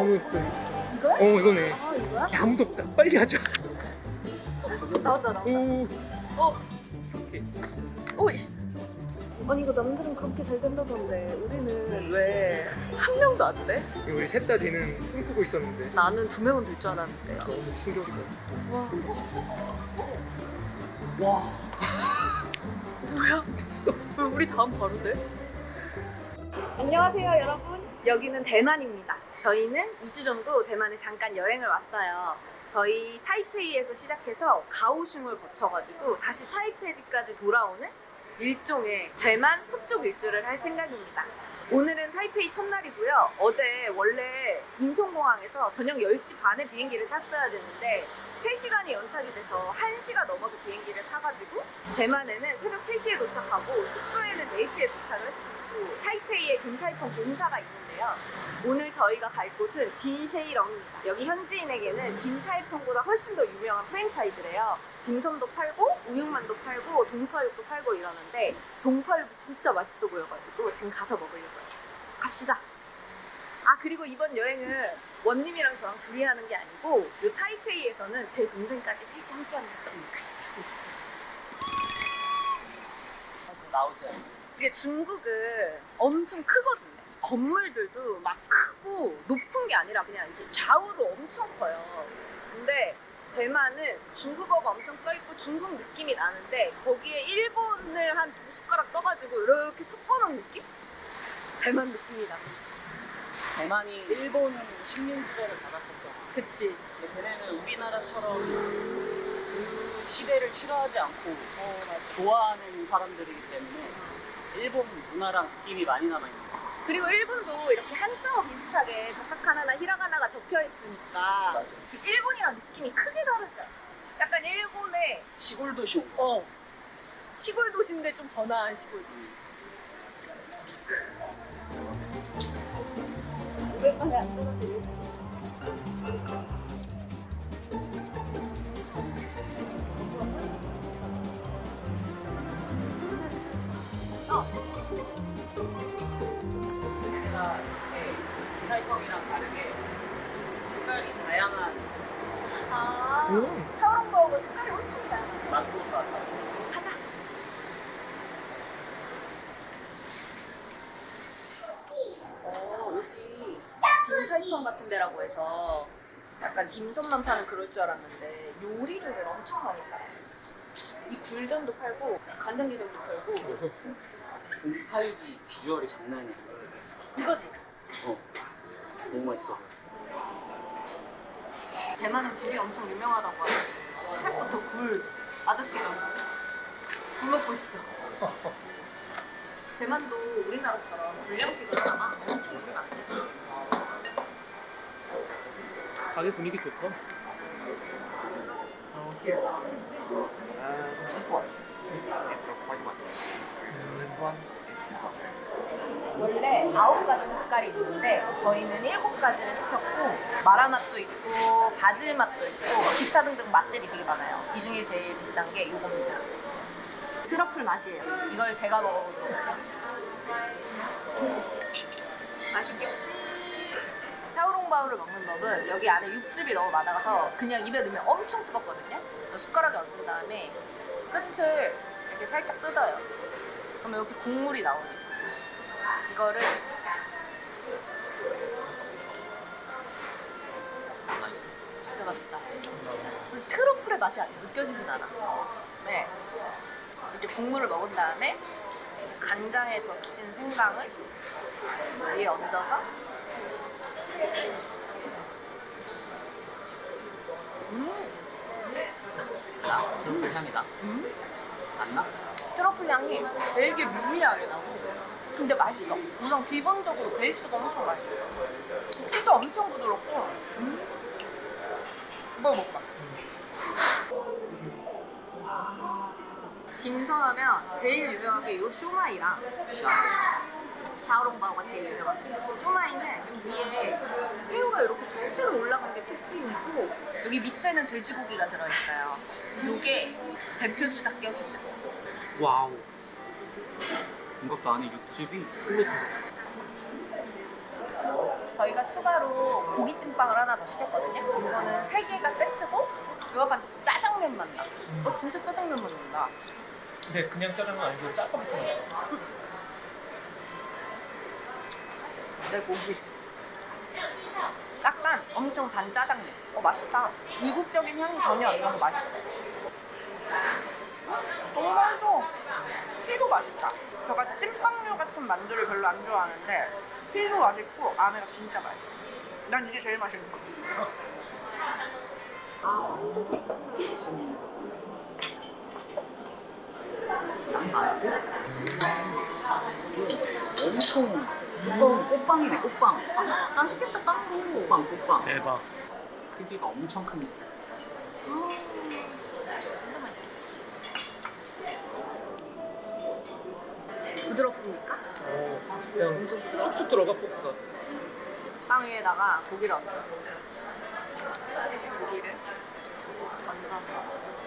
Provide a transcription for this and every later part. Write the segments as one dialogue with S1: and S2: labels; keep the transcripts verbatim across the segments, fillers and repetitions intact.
S1: 너무 예뻐.
S2: 이거야?
S1: 어 이거네.
S2: 아 이거야?
S1: 야, 아무도 없다. 빨리 하자.
S2: 나온다 나온다.
S1: 오.
S2: 어?
S1: 오케이.
S2: 오이씨. 아니 이거 남들은 그렇게 잘 된다던데 우리는 왜 한 명도 안 돼?
S1: 우리 셋 다 되는 꿈꾸고 있었는데
S2: 나는 두 명은 될 줄 알았는데.
S1: 너무 충격이다.
S2: 우와. 와. 뭐야? 왜 우리 다음 바로 돼? 안녕하세요 여러분. 여기는 대만입니다. 저희는 이 주 정도 대만에 잠깐 여행을 왔어요. 저희 타이페이에서 시작해서 가오슝을 거쳐가지고 다시 타이페이까지 돌아오는 일종의 대만 서쪽 일주를 할 생각입니다. 오늘은 타이페이 첫날이고요. 어제 원래 인천공항에서 저녁 열 시 반에 비행기를 탔어야 되는데 세 시간이 연착이 돼서 한 시가 넘어서 비행기를 타가지고 대만에는 새벽 세 시에 도착하고 숙소에는 네 시에 도착을 했습니다. 타이페이에 딘타이펑 본사가 있는데요. 오늘 저희가 갈 곳은 딘쉐이렁입니다. 여기 현지인에게는 딘타이펑보다 훨씬 더 유명한 프랜차이즈래요. 딤섬도 팔고 우육만도 팔고 동파육도 팔고 이러는데 동파육이 진짜 맛있어 보여가지고 지금 가서 먹으려고요. 갑시다. 아 그리고 이번 여행은 원님이랑 저랑 둘이 하는 게 아니고 이 타이페이에서는 제 동생까지 셋이 함께 합니다. 가시죠.
S3: 나오지.
S2: 이게 중국은 엄청 크거든요. 건물들도 막 크고 높은 게 아니라 그냥 이렇게 좌우로 엄청 커요. 근데 대만은 중국어가 엄청 써있고 중국 느낌이 나는데 거기에 일본을 한 두 숟가락 떠가지고 이렇게 섞어놓은 느낌? 대만 느낌이 납니다.
S3: 대만이 일본 식민지배를 받았었잖아.
S2: 그치.
S3: 근데 걔네는 우리나라처럼 그 시대를 싫어하지 않고 좋아하는 사람들이기 때문에 일본 문화랑 느낌이 많이 남아있는 거야.
S2: 그리고 일본도 이렇게 한자어 비슷하게 가타카나나 히라가나가 적혀 있으니까
S3: 맞아.
S2: 일본이랑 느낌이 크게 다르지 않아? 약간 일본의
S3: 시골 도시 온 거.
S2: 어 시골 도시인데 좀 번화한 시골 도시. 오랜만에 안 떨어지네.
S3: 제가 딘타이펑이랑 다르게 색깔이 다양한
S2: 아
S1: 음.
S2: 샤오롱바오가 색깔이 엄청 다양해.
S3: 망고가 나고.
S2: 가자. 어 여기 딘타이펑 같은 데라고 해서 약간 딤섬만 파는 그럴 줄 알았는데 요리를 엄청 많이 팔아요. 이 굴전도 팔고 간장게장도 팔고
S3: 동파육이 비주얼이 장난이 아니야.
S2: 이거지.
S3: 어. 너무 맛있어.
S2: 대만은 굴이 엄청 유명하다고 하는데 시작부터 굴 아저씨가 굴 먹고 있어. 대만도 우리나라처럼 불량식으로 하나 엄청 굴이 많대.
S1: 가게 분위기 좋다.
S4: So here, uh, this one is the white one. This one is this one.
S2: 원래 아홉 가지 색깔이 있는데 저희는 일곱 가지를 시켰고 마라맛도 있고 바질 맛도 있고 기타 등등 맛들이 되게 많아요. 이 중에 제일 비싼 게 이겁니다. 트러플 맛이에요. 이걸 제가 먹어보도록 하겠습니다. 맛있겠지? 샤오롱바오를 먹는 법은 여기 안에 육즙이 너무 많아서 그냥 입에 넣으면 엄청 뜨겁거든요. 숟가락에 얹은 다음에 끝을 이렇게 살짝 뜯어요. 그러면 이렇게 국물이 나옵니다. 이거를
S3: 맛있어.
S2: 진짜 맛있다. 트러플의 맛이 아직 느껴지진 않아. 네. 이렇게 국물을 먹은 다음에 간장에 적신 생강을 위에 얹어서 음,
S3: 나 트러플 향이다.
S2: 음?
S3: 안 나?
S2: 트러플 향이 되게 미미하게 나고 근데 맛있어. 우선 기본적으로 베이스가 엄청 맛있어. 피도 엄청 부드럽고 음? 이거 먹어봐. 딤섬하면 제일 유명한 게 이 쇼마이랑 샤오롱바오가 제일 유명하고 쇼마이는 이 위에 새우가 이렇게 통째로 올라간 게 특징이고 여기 밑에는 돼지고기가 들어있어요. 이게 대표 주작격이죠.
S3: 와우. 이것도 안에 육즙이
S1: 끝내준다.
S2: 저희가 추가로 고기찜빵을 하나 더 시켰거든요. 이거는 세 개가 세트고 이거 약간 짜장면 맛 나. 어 진짜 짜장면 맛 난다.
S1: 근데 그냥 짜장면 아니고 짜파부터 맛있어.
S2: 내 고기. 약간 엄청 단 짜장면. 어 맛있다. 이국적인 향이 전혀 안 나서 맛있어. 너무 맛있어. 피도 맛있다. 제가 찐빵류 같은 만두를 별로 안 좋아하는데 피도 맛있고 안에가 진짜 맛있어. 난 이게 제일 맛있는 거.
S3: 엄청 두꺼운 꽃빵이네, 꽃빵.
S2: 아, 맛있겠다 빵도.
S3: 꽃빵, 꽃빵.
S1: 대박.
S3: 크기가 엄청 큽니다.
S2: 진짜 맛있겠지. 부드럽습니까?
S1: 어, 그냥 쑥쑥 들어가 포크가.
S2: 빵 위에다가 고기를 얹어. 고기를 얹어서.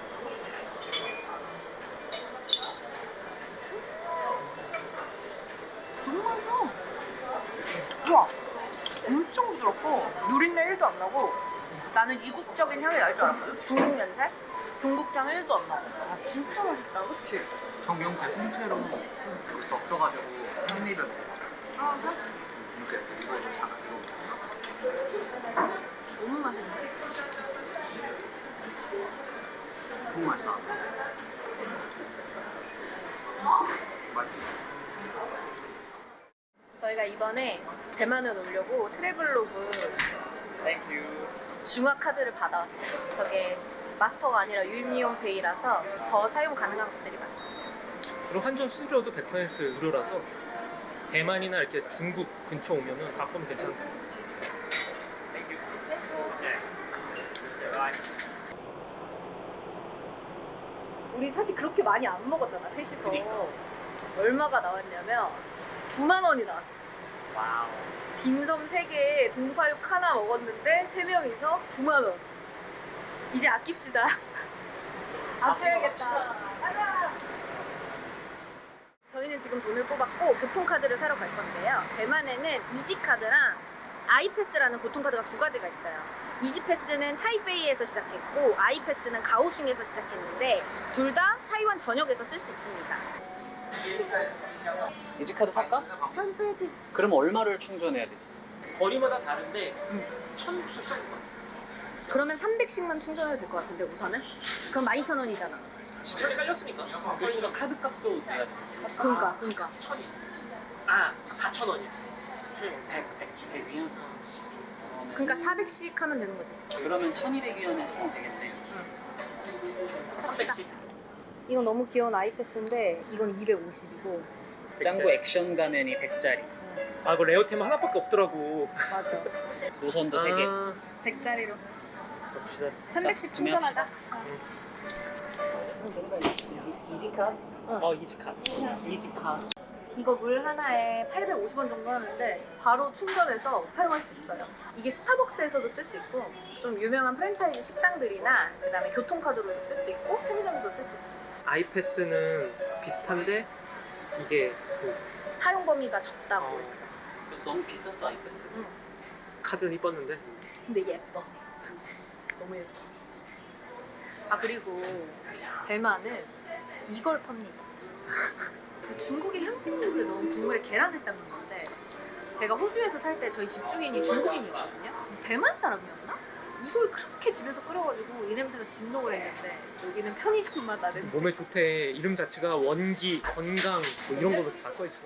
S2: 너무 맛있어. 우와, 엄청 부드럽고 누린내 일도 안 나고. 나는 이국적인 향이 날 줄 알았거든. 중국 냄새? 중국향 일도 안 나고. 아 진짜 맛있다, 그치?
S3: 정경태 통째로 이렇게 없어가지고 한 입에 먹어.
S2: 아, 그래?
S3: 이렇게 이거 잘
S2: 너무 맛있네.
S3: 엄청 맛있어. 맛있어.
S2: 저희가 이번에 대만을 오려고 트래블로그
S1: 땡큐.
S2: 중화 카드를 받아왔어요. 저게 마스터가 아니라 유입리온페이라서 더 사용 가능한 것들이 많습니다.
S1: 그리고 환전 수수료도 백 퍼센트 무료라서 대만이나 이렇게 중국 근처 오면은 가끔 괜찮고.
S2: 우리 사실 그렇게 많이 안 먹었잖아, 셋이서. 얼마가 나왔냐면 구만 원이 나왔어.
S1: 와우.
S2: 딤섬 세 개에 동파육 하나 먹었는데 세 명이서 구만 원. 이제 아낍시다. 아껴야겠다. 가자. 저희는 지금 돈을 뽑았고 교통카드를 사러 갈 건데요. 대만에는 이지카드랑 아이패스라는 교통카드가 두 가지가 있어요. 이지패스는 타이베이에서 시작했고 아이패스는 가오슝에서 시작했는데 둘 다 타이완 전역에서 쓸 수 있습니다.
S3: 이지카드 살까?
S2: 사실 써야지.
S3: 그럼 얼마를 충전해야 되지?
S1: 거리마다 다른데 천부터 시작인 것 같아.
S2: 그러면 삼백씩만 충전해도 될 것 같은데 우선은? 그럼 만 이천 원이잖아.
S1: 지천이 깔렸으니까.
S3: 그래서 카드 값도 내야 돼.
S2: 그니까 그니까
S1: 천이. 아, 사천 원이야. 백, 백.
S3: 백 위안?
S2: 그니까 사백씩 하면 되는 거지.
S3: 그러면 천이백 위안을 쓰면 되겠네.
S2: 갑시다.
S1: 삼백씩.
S2: 이건 너무 귀여운 아이패스인데 이건 이백오십이고
S3: 짱구 액션 가면이 백짜리.
S1: 아, 이거 레어템 하나밖에 없더라고.
S2: 맞아.
S3: 노선도 세 개.
S1: 아,
S2: 백짜리로
S1: 봅시다.
S2: 삼백씩
S3: 자,
S2: 충전하자.
S3: 이지카?
S1: 어, 이지카. 이지카.
S2: 이거 물 하나에 팔백오십 원 정도 하는데 바로 충전해서 사용할 수 있어요. 이게 스타벅스에서도 쓸 수 있고 좀 유명한 프랜차이즈 식당들이나 그다음에 교통카드로도 쓸 수 있고 편의점에서 쓸 수 있습니다.
S1: 아이패스는 비슷한데 이게 그
S2: 사용 범위가 적다고
S1: 어.
S2: 했어.
S3: 그래서 너무 비쌌어 아이패스.
S2: 응.
S1: 카드는 이뻤는데
S2: 근데 예뻐. 너무 예뻐. 아 그리고 대만은 이걸 팝니다. 그 중국의 향신료를 넣은 국물에 계란을 삶는 건데 제가 호주에서 살 때 저희 집주인이 중국인이었거든요. 대만 사람이었나? 이걸 그렇게 집에서 끓여가지고 이 냄새가 진동을 했는데 여기는 편의점마다 냄새.
S1: 몸에 좋대. 이름 자체가 원기, 건강 뭐 이런 걸로 다 써있어.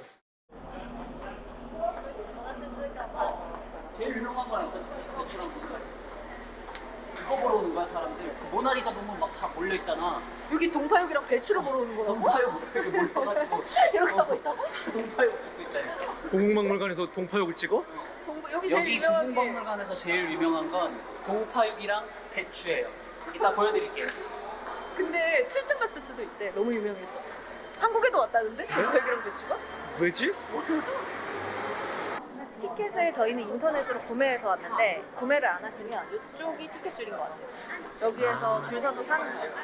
S3: 제일 유명한 거니까 진짜 배추랑 무지개. 그거 보러 오는 거야 사람들. 그 모나리자 보면 막 다 몰려 있잖아.
S2: 여기 동파육이랑 배추를 보러 오는 거라고?
S3: 동파육 이렇게 몰려가지고
S2: 이렇게 하고 있다고?
S3: 동파육 찍고 있다니까.
S1: 고궁박물관에서 동파육을 찍어?
S2: 동, 여기 제일
S3: 여기
S2: 유명한 게
S3: 국립박물관에서 제일 유명한 건 동파육이랑 배추예요. 이따 보여드릴게요.
S2: 근데 출장 갔을 수도 있대. 너무 유명해서. 한국에도 왔다는데? 동파육이랑 배추가?
S1: 왜지?
S2: 티켓을 저희는 인터넷으로 구매해서 왔는데 구매를 안 하시면 이쪽이 티켓 줄인 것 같아요. 여기에서 줄 서서 사는 거예요.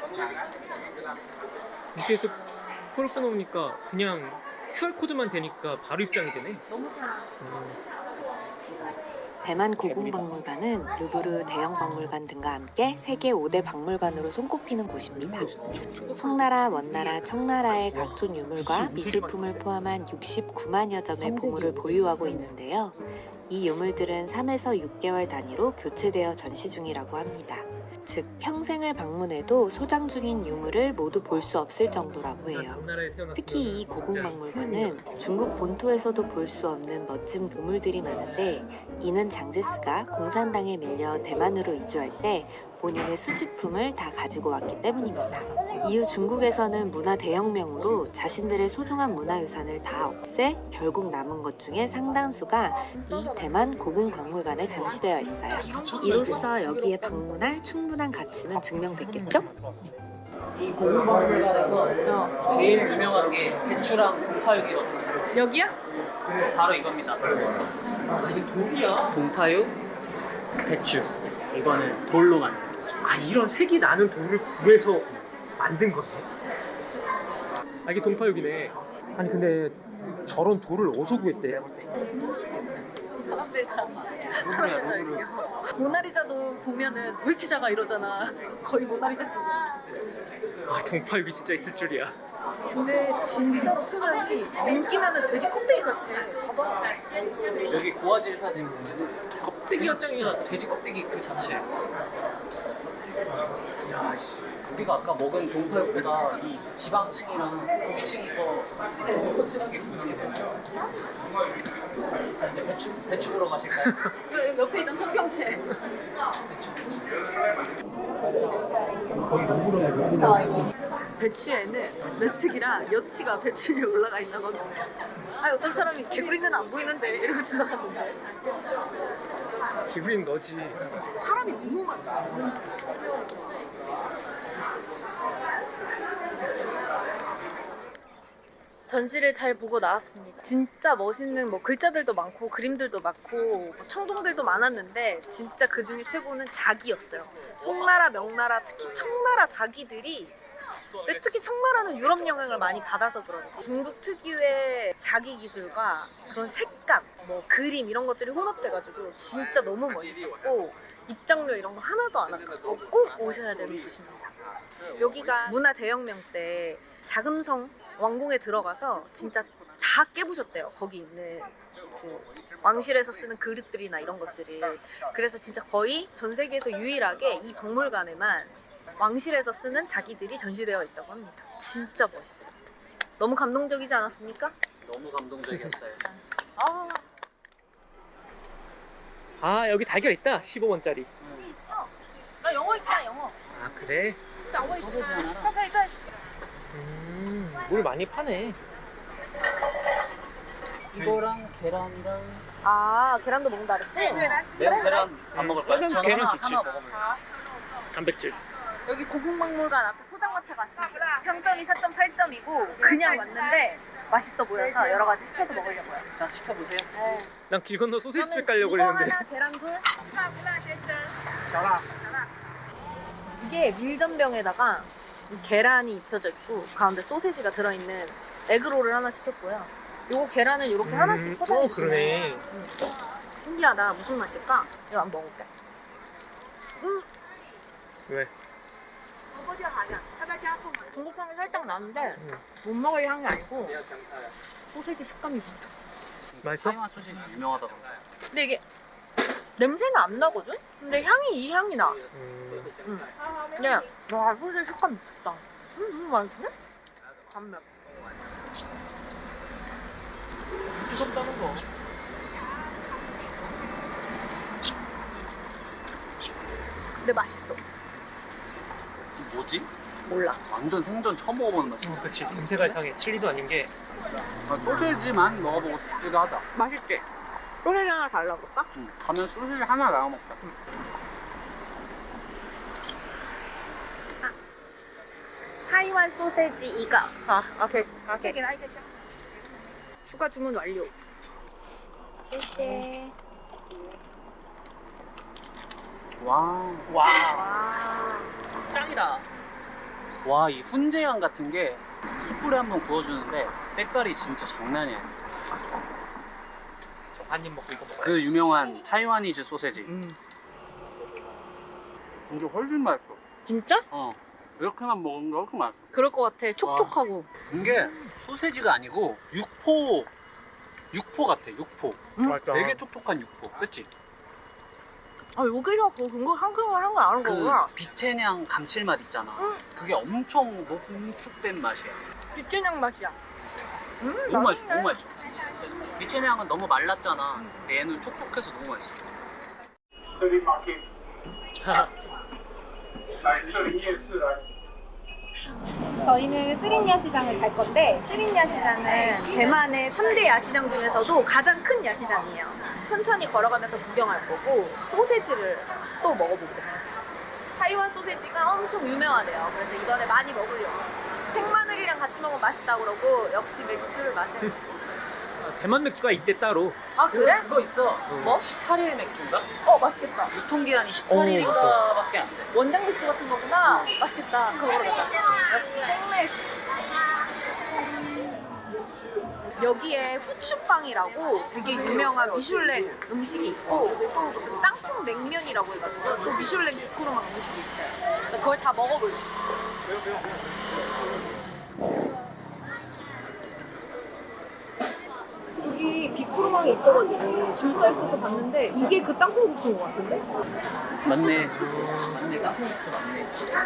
S1: 밑에서 콜 끊어오니까 그냥 큐알코드만 되니까 바로 입장이 되네.
S2: 너무 편해.
S1: 음.
S5: 대만 고궁박물관은 루브르 대형 박물관 등과 함께 세계 오 대 박물관으로 손꼽히는 곳입니다. 송나라, 원나라, 청나라의 각종 유물과 미술품을 포함한 육십구만여 점의 보물을 보유하고 있는데요. 이 유물들은 삼에서 육 개월 단위로 교체되어 전시 중이라고 합니다. 즉 평생을 방문해도 소장 중인 유물을 모두 볼 수 없을 정도라고 해요. 특히 이 고궁박물관은 중국 본토에서도 볼 수 없는 멋진 보물들이 많은데 이는 장제스가 공산당에 밀려 대만으로 이주할 때 본인의 수집품을 다 가지고 왔기 때문입니다. 이후 중국에서는 문화 대혁명으로 자신들의 소중한 문화유산을 다 없애 결국 남은 것 중에 상당수가 이 대만 고궁박물관에 전시되어 있어요. 이로써 여기에 방문할 충분한 가치는 증명됐겠죠?
S3: 이 고궁박물관에서 제일 유명한 게 배추랑 동파육이거든요.
S2: 여기야?
S3: 바로 이겁니다. 이게 돌이야? 동파육, 배추. 이거는 돌로 만든.
S1: 아 이런 색이 나는 돌을 구해서 만든 거네. 아 이게 동파육이네. 아니 근데 저런 돌을 어디서 구했대?
S2: 사람들 다
S3: 루브르야, 루브르.
S2: 모나리자도 보면은 왜 이렇게 작아 이러잖아. 거의 모나리자.
S1: 아 동파육이 진짜 있을 줄이야.
S2: 근데 진짜로 표면이 윤기 나는 돼지 껍데기 같아. 봐봐.
S3: 여기 고화질 사진 보면
S1: 껍데기가
S3: 진짜 돼지 껍데기 그 자체. 우리가 아까 먹은 동파육보다 이 지방층이랑 고기층이 더 톡톡하게 구분이 돼요. 자 이제 배추 배추 보러 가실까요?
S2: 그 옆에 있던 청경채.
S3: 거의 로브로야 로브로.
S2: 배추에는 메뚜기랑 여치가 배추 위에 올라가 있나 봐. 아 어떤 사람이 개구리는 안 보이는데 이러고 지나갔는데
S1: 기분인 너지.
S2: 사람이 너무 많다. 전시를 잘 보고 나왔습니다. 진짜 멋있는 뭐 글자들도 많고 그림들도 많고 뭐 청동들도 많았는데 진짜 그 중에 최고는 자기였어요. 송나라, 명나라, 특히 청나라 자기들이 근데 특히 청나라는 유럽 영향을 많이 받아서 그런지 중국 특유의 자기 기술과 그런 색감, 뭐 그림 이런 것들이 혼합돼가지고 진짜 너무 멋있었고 입장료 이런 거 하나도 안 아깝고 꼭 오셔야 되는 곳입니다. 여기가 문화 대혁명 때 자금성 왕궁에 들어가서 진짜 다 깨부셨대요. 거기 있는 그 왕실에서 쓰는 그릇들이나 이런 것들을. 그래서 진짜 거의 전 세계에서 유일하게 이 박물관에만 왕실에서 쓰는 자기들이 전시되어 있다고 합니다. 진짜 멋있어요. 너무 감동적이지 않았습니까?
S3: 너무 감동적이었어요.
S2: 아,
S1: 아 여기 달걀 있다. 십오 원짜리.
S2: 여기 있어. 나 영어 있다, 영어.
S1: 아 그래?
S2: 영어
S3: 소세지
S2: 있다.
S3: 하나랑.
S2: 잠깐, 일단.
S1: 음, 물 많이 파네.
S3: 이거랑 계란이랑
S2: 아, 계란도 먹는다 그랬지?
S3: 매운 계란 안 먹을까요?
S1: 음,
S3: 저는
S1: 계란
S3: 하나,
S1: 좋지.
S3: 하나 먹어볼래요.
S1: 단백질.
S2: 여기 고궁박물관 앞에 포장마차 갔습니다. 평점이 사 점 팔 점이고 그냥 왔는데 맛있어 보여서 여러 가지 시켜서 먹으려고요.
S3: 자 시켜보세요.
S1: 난 길 건너 소시지
S2: 그러면
S1: 깔려고
S2: 이거
S1: 그랬는데.
S2: 하나, 계란 둘. 이게 밀전병에다가 계란이 입혀져 있고 가운데 소세지가 들어있는 에그롤을 하나 시켰고요. 요거 계란은 이렇게 하나씩
S1: 음,
S2: 포장해
S1: 어,
S2: 주시네.
S1: 그러네.
S2: 음. 신기하다. 무슨 맛일까? 이거 한번 먹어볼게. 음.
S1: 왜?
S2: 중국 향이 살짝 나는데
S1: 음.
S2: 못 먹을 향이 아니고 소세지 식감이 미쳤어.
S1: 맛있어?
S3: 타이완 소시지 유명하다고.
S2: 근데 이게 냄새는 안 나거든? 근데 향이 이 향이 나.
S1: 음,
S2: 응. 근데 와 소세지 식감 미쳤다. 음, 음 맛있네? 단면.
S1: 뜨겁다는 거.
S2: 근데 맛있어.
S3: 뭐지?
S2: 몰라.
S3: 완전 생전 처음 먹어보는 맛이야.
S1: 어, 그치. 냄새가 이상해. 칠리도 아닌 게.
S3: 아, 소시지만 먹어보고 싶기도 하다.
S2: 맛있지? 소세지 하나 달라볼까?
S3: 응. 가면 소시지 하나 나눠 먹자.
S2: 타이완 소세지 이거. 아, 오케이. 오케이. 추가 주문 완료.谢谢.
S3: 와.
S1: 와,
S2: 와.
S1: 짱이다.
S3: 와, 이 훈제향 같은 게 숯불에 한번 구워주는데 때깔이 진짜 장난이 아니야.
S1: 한 입 먹고 이거 먹어.
S3: 그 유명한 타이와니즈 소세지.
S1: 음.
S3: 이게 훨씬 맛있어.
S6: 진짜?
S3: 어. 이렇게만 먹으면 훨씬 맛있어.
S6: 그럴 것 같아. 촉촉하고.
S3: 이게 소세지가 아니고 육포 육포 같아. 육포.
S1: 맛있다.
S3: 되게 촉촉한 육포. 그치?
S6: 아 여기서 그 근거 한국말 한거 아는
S3: 그
S6: 거구나.
S3: 비채냥 감칠맛 있잖아.
S6: 응.
S3: 그게 엄청 농축된 맛이야.
S6: 비트냥 맛이야. 음,
S3: 너무 맛있어.
S6: 맛있네.
S3: 너무 맛있어. 비채냥은 너무 말랐잖아. 근데 얘는 촉촉해서 너무 맛있어.
S7: 这里马丁，来这里夜市来。
S2: 저희는 스린야 시장을 갈 건데 스린야 시장은 대만의 삼 대 야시장 중에서도 가장 큰 야시장이에요. 천천히 걸어가면서 구경할 거고 소세지를 또 먹어보겠어요. 타이완 소세지가 엄청 유명하대요. 그래서 이번에 많이 먹으려고. 생마늘이랑 같이 먹으면 맛있다고 그러고 역시 맥주를 마셔야지.
S1: 대만 맥주가 있대 따로.
S2: 아 그래?
S3: 그거 있어.
S2: 뭐?
S3: 십팔 일 맥주인가?
S2: 어 맛있겠다.
S3: 유통기한이 십팔 일인가밖에 안 돼.
S2: 원장 맥주 같은 거구나. 맛있겠다. 그거 먹으러 가자. 역시 생맥. 여기에 후추빵이라고 되게 유명한 미슐랭 음식이 있고 또 무슨 땅콩 냉면이라고 해가지고 또 미슐랭 비꾸르망 음식이 있대요. 그래서 그걸 다 먹어볼래. 여기 비꾸르망이 있어가지고 줄 서 있어서 봤는데 이게 그 땅콩 국수인 것 같은데?
S3: 맞네. 맞네. 땅콩국수 맞네.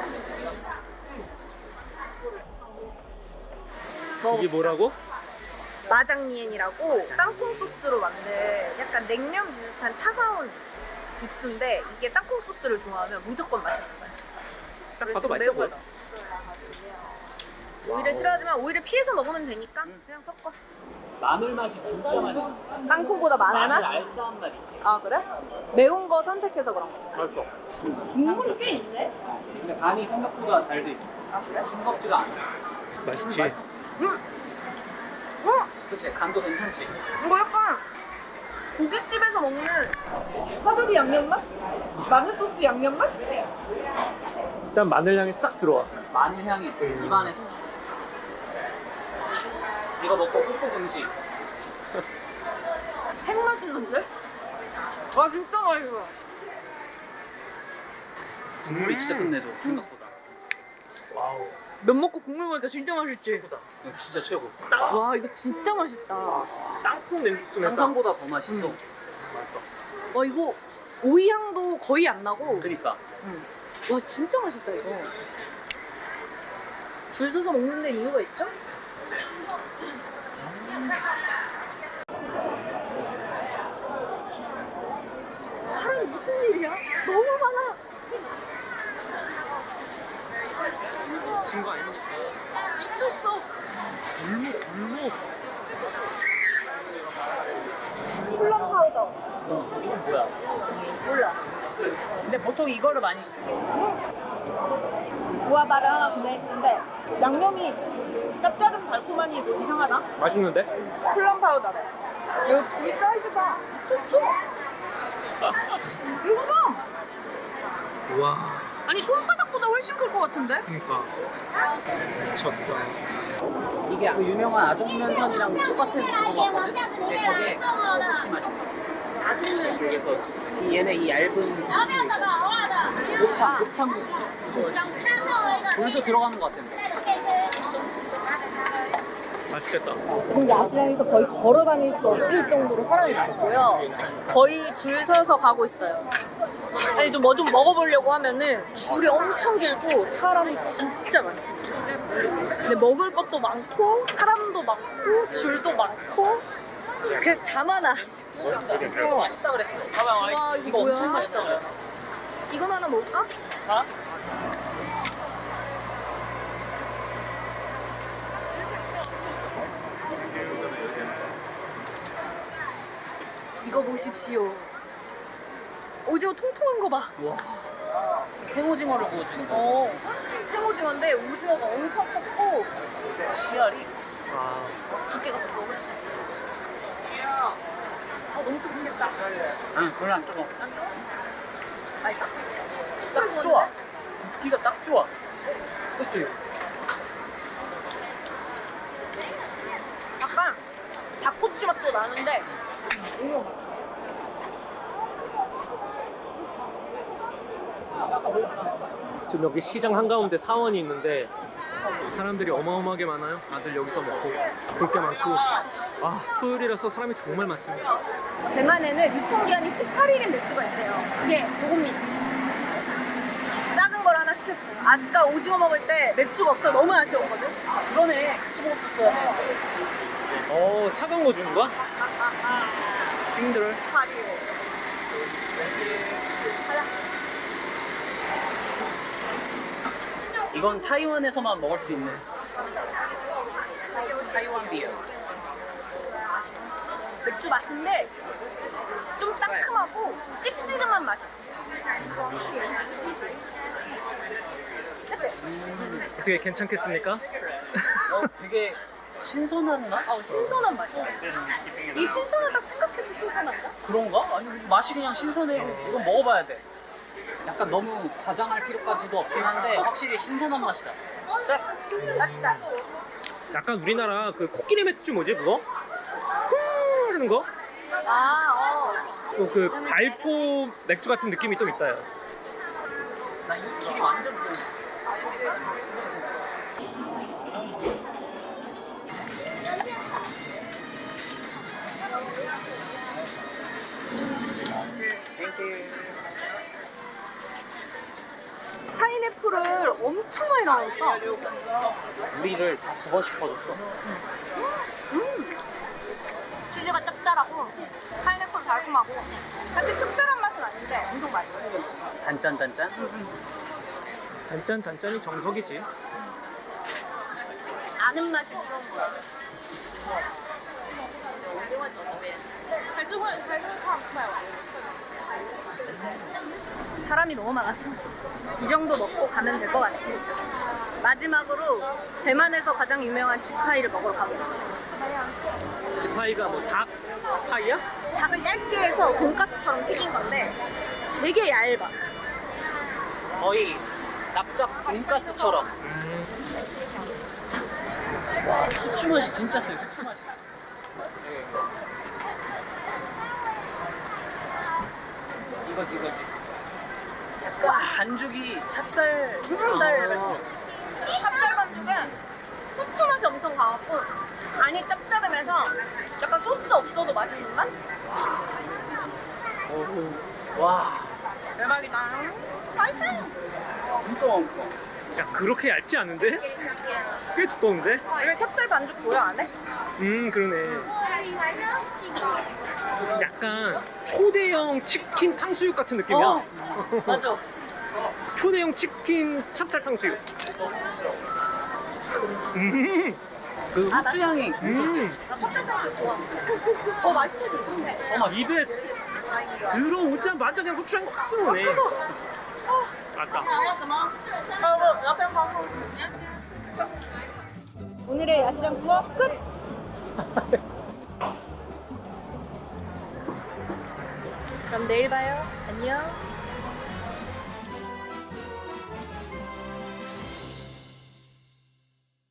S1: 이게 뭐라고?
S2: 마장리엔이라고 땅콩 소스로 만든 약간 냉면 비슷한 차가운 국수인데 이게 땅콩 소스를 좋아하면 무조건 맛있는 맛이야.
S1: 딱
S2: 그래서
S1: 봐도 맛있어
S2: 매운
S1: 보여.
S2: 걸 넣었어. 오히려 싫어하지만 오히려 피해서 먹으면 되니까 그냥 섞어.
S3: 마늘 맛이 진짜 많이 나.
S2: 땅콩보다 마늘 맛?
S3: 알싸한 맛 있지.
S2: 아 그래? 매운 거 선택해서 그런 거.
S1: 맛있어.
S2: 국물이 꽤 있네?
S3: 근데 간이 생각보다 잘 돼 있어.
S2: 아 그래?
S3: 싱겁지가 않아.
S1: 맛있지.
S3: 맛있어.
S2: 응! 응!
S3: 그치? 간도 괜찮지?
S2: 이거 약간 고깃집에서 먹는 화조리 양념 맛? 마늘 소스 양념 맛?
S1: 일단 마늘 향이 싹 들어와.
S3: 마늘 향이 입안에 쏙. 이거 먹고 꾹꾹 금지.
S2: 핵 맛있는데? 와 진짜 맛있어.
S3: 국물이 진짜 끝내줘. 생각보다.
S1: 와우.
S6: 면 먹고 국물 먹으니까 진짜 맛있지.
S3: 이거 진짜 최고.
S6: 와 이거 진짜 맛있다.
S1: 땅콩 냉국수네.
S3: 상상보다 더 맛있어.
S6: 와 이거 오이 향도 거의 안 나고.
S3: 그니까.
S6: 와 진짜 맛있다 이거. 줄 서서 먹는 데 이유가 있죠?
S2: 사람 무슨 일이야? 너무 많아.
S1: 준거 아닙니까?
S2: 미쳤어.
S1: 골목 골목.
S2: 콜라 파우더.
S3: 이건 뭐야?
S2: 몰라.
S3: 근데 보통 이거를 많이.
S2: 구아바를 하나 구매했는데 양념이 짭짤한 달콤하니 뭐 이상하나?
S1: 맛있는데?
S2: 콜라 파우더래. 여기 굴 사이즈가 미쳤어. 이거 봐.
S1: 우와.
S2: 아니 손바닥보다 훨씬 클 것 같은데?
S1: 그러니까. 미쳤다.
S3: 이게 그 유명한 아종면선이랑 똑같은 그거 같거든? 근데 저게 소시 맛이야. 아종면선. 그래서 이 얘네 이 얇은 국수. 곱창, 곱창 국수. 물도 들어가는 것 같은데.
S1: 맛있겠다.
S2: 지금 야시장에서 거의 걸어 다닐 수 없을 정도로 사람이 많고요. 거의 줄 서서 가고 있어요. 아니 좀 뭐 좀 먹어보려고 하면은 줄이 엄청 길고 사람이 진짜 많습니다. 근데 먹을 것도 많고 사람도 많고 줄도 많고 그냥 다 많아.
S3: 이거 맛있다 그랬어.
S2: 와 이거,
S3: 이거
S2: 뭐야?
S3: 엄청 맛있다 그랬어.
S2: 이건 하나 먹을까?
S3: 아?
S2: 이거 보십시오. 오징어 통통한 거 봐.
S3: 우와. 생오징어를 구워주는 거.
S2: 어, 생오징어인데 오징어가 엄청 컸고
S3: 씨알이.
S1: 아.
S2: 두께가 더 먹었어. 아 너무 뜨겁겠다.
S3: 응, 별로 안 뜨거.
S2: 안 뜨거? 맛있다.
S3: 딱 좋아. 굽기가 딱 좋아.
S1: 그치?
S2: 약간 닭꼬치 맛도 나는데
S1: 지금 여기 시장 한가운데 사원이 있는데 사람들이 어마어마하게 많아요. 다들 여기서 먹고 볼 게 많고. 아, 토요일이라서 사람이 정말 많습니다.
S2: 대만에는 유통기한이 십팔 일인 맥주가 있대요. 그게 요겁니다. 작은 걸 하나 시켰어요. 아까 오징어 먹을 때 맥주가 없어 너무 아쉬웠거든.
S3: 그러네. 죽어 먹었어요.
S1: 어, 차가운 거 주는 거야? 힘들어.
S2: 십팔 일.
S3: 이건 타이완에서만 먹을 수 있는 타이완 비어.
S2: 맥주 맛인데 좀 상큼하고 찝찝한 맛이 없어. 그치?
S1: 어떻게 괜찮겠습니까?
S3: 어, 되게 신선한 맛?
S2: 어, 신선한 맛이야. 이 신선하다 생각해서 신선한가?
S3: 그런가? 아니 맛이 그냥 신선해요. 이건 먹어봐야 돼. 약간 너무 과장할 필요까지도 없긴 한데 확실히 신선한 맛이다.
S2: 좋았어. 갑시다.
S1: 약간 우리나라 그 코끼리 맥주 뭐지 그거? 후 하는 거?
S2: 아, 어.
S1: 또 그 발포 맥주 같은 느낌이 좀 있다. 요
S3: 나 이 길이 완전 그
S2: 파인애플을 엄청 많이 넣었어.
S3: 우리를 다 두 번씩 퍼줬어.
S2: 치즈가 짭짤하고 파인애플 달콤하고 사실 특별한 맛은 아닌데 엄청 맛있어.
S3: 단짠 단짠.
S1: 단짠 단짠이 정석이지.
S2: 아는 맛이 무서운 거야. 사람이 너무 많았어. 이 정도 먹고 가면 될 것 같습니다. 마지막으로 대만에서 가장 유명한 지파이를 먹으러 가봅시다.
S1: 지파이가 뭐 닭 파이야?
S2: 닭을 얇게 해서 돈가스처럼 튀긴 건데 되게 얇아.
S3: 거의 납작 돈가스처럼. 와, 후추 맛이 진짜 세요. 후추 맛이. 이거지 이거지. 약간 반죽이 찹쌀 찹쌀 반죽.
S2: 찹쌀 반죽은 후추 맛이 엄청 강하고 간이 짭짤하면서 약간 소스 없어도 맛있는 맛?
S3: 와,
S2: 대박이다. 맛있어.
S3: 엄청 엄청.
S1: 야, 그렇게 얇지 않은데? 꽤 두꺼운데?
S2: 이게 찹쌀 반죽 보여 안에?
S1: 음, 그러네. 약간 초대형 치킨 탕수육 같은 느낌이야.
S2: 어, 맞아.
S1: 초대형 치킨 찹쌀 탕수육. 음,
S3: 그 후추 향이 엄청 세.
S1: 음,
S2: 나 찹쌀 반죽 좋아. 더 맛있어지는데.
S3: 어, 맛있어.
S1: 입에 들어오자마자 그냥 후추향이 확 들어오네. 맞다.
S2: 오늘의 야시장 투어 끝! 그럼 내일 봐요. 안녕.